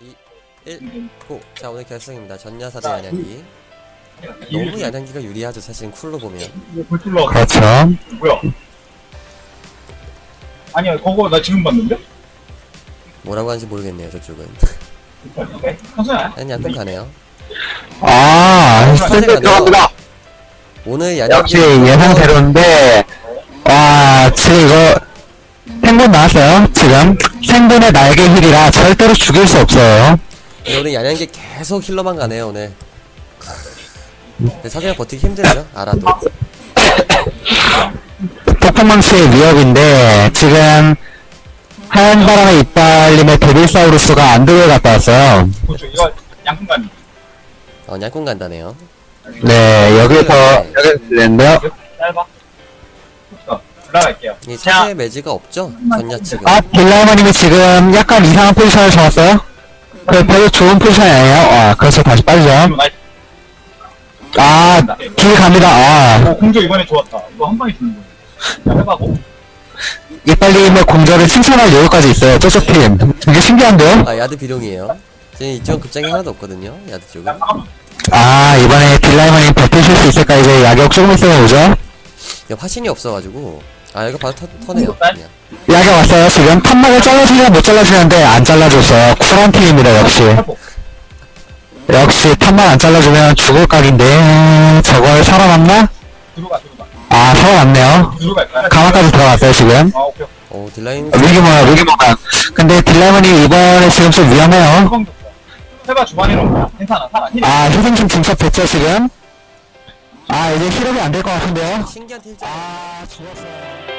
2, 1, 고! 자, 오늘 결승입니다. 전야사 대 야냥기. 너무 야냥기가 유리하죠, 사실 쿨로 보면. 골툴러. 그렇죠. 뭐야? 아니야, 그거 나 지금 봤는데? 뭐라고 하는지 모르겠네요, 저쪽은. 선수야. 아니, 양쪽 가네요. 샌드 들어갑니다. 오늘 역시 야냥기. 예상대로인데, 와, 지금 이거, 생분 나왔어요, 지금. 생분의 날개 힐이라 절대로 죽일 수 없어요. 근데 오늘 야냥기 계속 힐러만 가네요, 오늘. 근데 사실 버티기 힘들죠, 알아도. 폭풍망치의 위협인데, 지금, 하얀 바람의 이빨님의 데빌사우루스가 안드로에 갔다 왔어요. 그렇죠. 이거 양푼간이. 양꾼 간다네요. 네, 여기서 들렸는데요. 짧아. 올라갈게요. 이 사실 매지가 없죠, 전야 측은. 아, 빌라이머님이 지금 약간 이상한 포지션을 잡았어요? 그 별로 좋은 포지션이 아니에요? 아, 그래서 다시 빠지죠. 아, 길 갑니다. 아, 공조 이번에 좋았다. 이거 한 방에 주는 거예요. 야, 해봐고. 이빨님의 공절을 칭찬할 여유까지 있어요, 저쪽 팀. 되게 신기한데요? 야드 비룡이에요. 지금 이쪽은 급장이 하나도 없거든요, 야드 쪽은. 아, 이번에 빌라이머님 버티실 수 있을까? 이제 야격 조금 있으면 오죠? 화신이 없어가지고. 이거 바로 터네요, 그냥. 야격 왔어요, 지금. 탑막을 잘라주냐 못 잘라주는데 안 잘라줬어요. 쿨한 팀입니다, 역시. 역시 탑막 안 잘라주면 죽을 각인데, 저걸 살아남나? 들어가. 아, 살아남네요. 들어갈 거야. 가마까지 들어갔어요, 지금. 아, 오케이. 딜라인. 위기모양. 근데 딜라이머님 이번에 지금 좀 위험해요. 후방 줬어. 해봐, 주반에는 괜찮아. 살아. 힐. 아, 희생 좀 중첩됐죠, 지금? 아, 이제 힐업이 안 될 것 같은데요? 신기한 딜. 아, 죽었어요.